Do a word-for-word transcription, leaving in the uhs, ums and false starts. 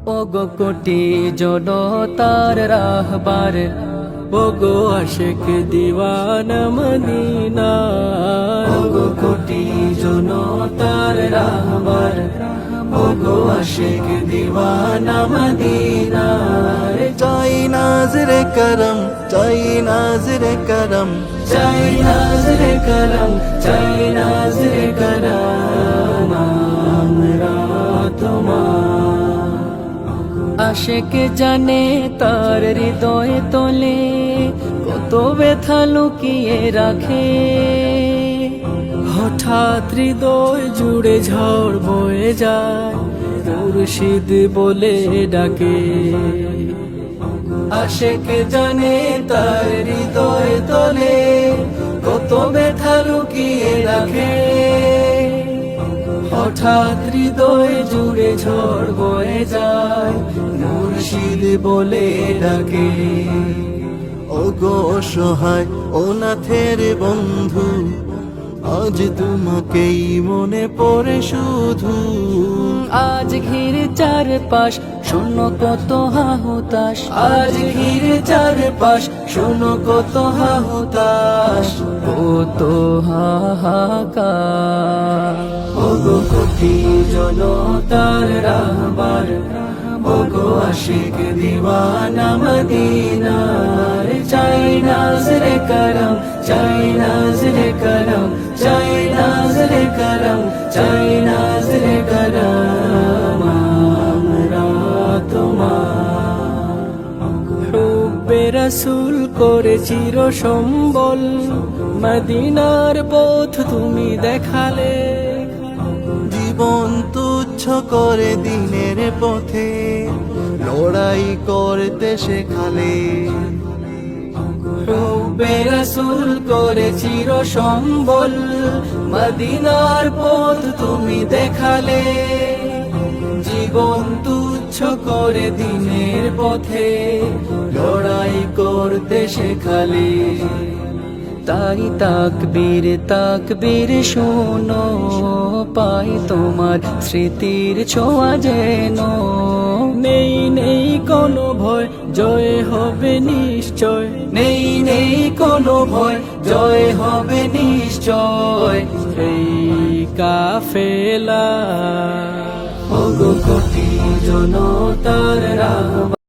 ওগো কোটি জনতার রাহবার, ওগো আশিক দিওয়ানা মদিনা। ওগো কোটি জনতার রাহবার, ওগো আশিক দিওয়ানা মদিনা। চাই নাজরে করম, চাই নাজরে করম, চাই নাজরে করম, চাই নাজরে করম আমরা তোমার। আশিক জানে তার হৃদয় তলে কত ব্যথা লুকিয়ে রাখে। হঠাৎ হৃদয় জুড়ে ঝড় বয়ে যায়, মুর্শিদ বলে ডাকে। আশিক জানে তার হৃদয় তলে কত ব্যথা লুকিয়ে রাখে। হঠাৎ হৃদয় জুড়ে ঝড় বয়ে যায়, মুর্শিদ বলে ডাকে। ওগো অসহায় অনাথের বন্ধু, আজ তোমাকেই মনে পড়ে শুধু। আজ ঘিরে চারপাশ শোনো কত হাহুতাশ, আজ ঘিরে চারপাশ শোনো কত হাহুতাশ, কত হাহাকার। ওগো কোটি জনতার রাহবার, ওগো আশিক দিওয়ানা মদিনার। চাই নাজরে করম, চাই নাজরে করম, চাই নাজরে করম, চাই নাজরে করম আমরা তোমার। হুব্বে রাসূল করে চির সম্বল, মদিনার পথ তুমি দেখালে। জীবন তুচ্ছ করে দিনের পথে লড়াই করতে শেখালে। হুব্বে রাসূল করে চির সম্বল, মদিনার পথ তুমি দেখালে। জীবন তুচ্ছ করে দিনের পথে লড়াই করতে শেখালে। তাই তাকবীর তাকবীর শোনো, পাই তোমার স্মৃতির ছোঁয়া যেন। নেই নেই কোনো ভয়, জয় হবে নিশ্চয়। নেই নেই কোনো ভয়, জয় হবে নিশ্চয় এই কাফেলা। ওগো কোটি জনতার রাহবার।